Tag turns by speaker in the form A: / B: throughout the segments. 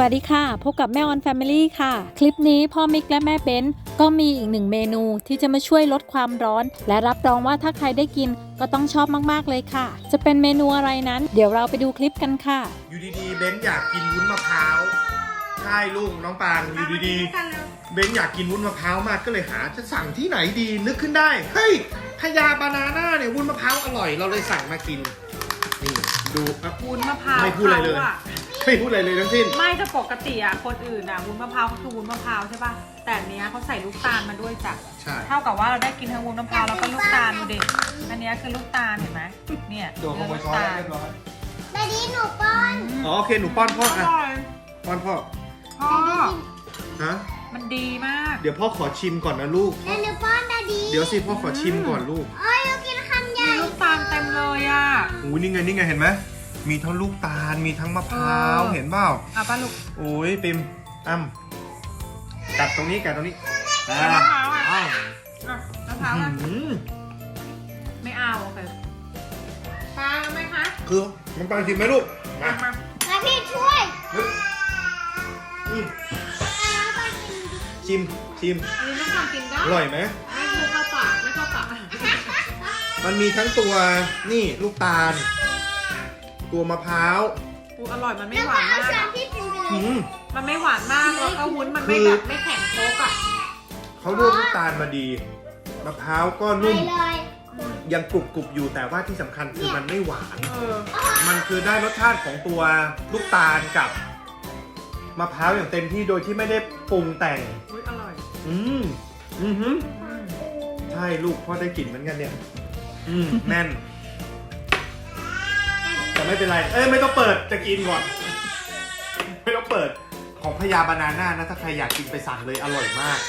A: วัสดีค่ะพบกับแม่ออนแฟมิลี่ค่ะคลิปนี้พ่อมิกและแม่เบนก็มีอีกหนึ่งเมนูที่จะมาช่วยลดความร้อนและรับรองว่าถ้าใครได้กินก็ต้องชอบมากๆเลยค่ะจะเป็นเมนูอะไรนั้นเดี๋ยวเราไปดูคลิปกันค่ะ
B: อยู่ดีๆเบนอยากกินวุ้นมะพร้าวใช่ลูกน้องปางอยู่ดีๆเบนอยากกินวุ้นมะพร้าวมากก็เลยหาจะสั่งที่ไหนดีนึกขึ้นได้เฮ้ยพญาบานาน่าเนี่ยวุ้นมะพร้าวอร่อยเราเลยสั่งมากินนี่ดู
C: วุ้นมะพร้าว
B: ไม่พูดอะไรเลยไม่พูดอะไรเลยทั้งสิ้น
C: ไม่จะปกติอ่ะคนอื่นอ่ะวุ้นมะพร้าวก็คือวุ้นมะพร้าวใช่ป่ะแต่อันเนี้ยเขาใส่ลูกตาลมาด้วยจ้ะ
B: ใช่
C: เท่ากับว่าเราได้กินทั้งวุ้นมะพร้าวแล้วก็ลูกตาลดูดิอันเนี้ยคือลูกตาลเห็นไหมเนี่ย
B: ตัวขโมยช้อนเรียบร้อย
D: ดาดีหนูป้อน
B: อ๋อโอเคหนูป้อนพ่ออ่ะป้อนพ่อฮะ
C: มันดีมาก
B: เดี๋ยวพ่อขอชิมก่อนนะลูก
D: หนูป้อนดาดี
B: เดี๋ยวสิพ่อขอชิมก่อนลูก
D: โอ้ยเรากินคำใหญ่
C: มีลูกตาลเต็มเลยอ่ะ
B: อู้นี่ไงเห็นไหมมีทั้งลูกตาลมีทั้งมะพร้าวเห็นเปล่า
C: ป้าลูก
B: โอ้ยปิมกัดตรงนี้
C: มะพร้าวอ่ะมะพร้าวอ่ะไม่เอาโอเคปลาไหมคะ
B: คือมันปลาชิมไหมลูกมา
D: พี่ช่วย
B: ชิม
C: อันนี้ต้องทำกินได้
B: อร่อยไหม
C: ไม่เข้าปาก
B: มันมีทั้งตัวนี่ลูกตาลตัวมะพร้าว
C: อร่อยมันไม่หวานมากมันไม่หวานมากแล้วก็วุ้นมันไม่แบบไม่แข็งโป๊กอ่ะ
B: เขาลวกลูกตาลมาดีมะพร้าวก็นุ่มยังกรุบอยู่แต่ว่าที่สำคัญคือมันไม่หวานมันคือได้รสชาติของตัวลูกตาลกับมะพร้าวอย่างเต็มที่โดยที่ไม่ได้ปรุงแต่ง
C: อร่อย
B: ใช่ลูกพ่อได้กลิ่นเหมือนกันเนี่ยแน่นแต่ไม่เป็นไรไม่ต้องเปิดจะกินก่อนไม่ต้องเปิดของพญาบานาน่านะถ้าใครอยากกินไปสั่งเลยอร่อยมาก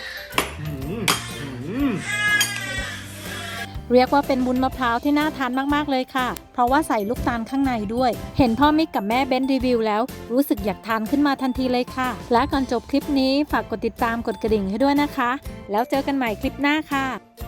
A: เรียกว่าเป็นวุ้นมะพร้าวที่น่าทานมากๆเลยค่ะเพราะว่าใส่ลูกตาลข้างในด้วยเห็นพ่อมิกกับแม่เบนรีวิวแล้วรู้สึกอยากทานขึ้นมาทันทีเลยค่ะและก่อนจบคลิปนี้ฝากกดติดตามกดกระดิ่งให้ด้วยนะคะแล้วเจอกันใหม่คลิปหน้าค่ะ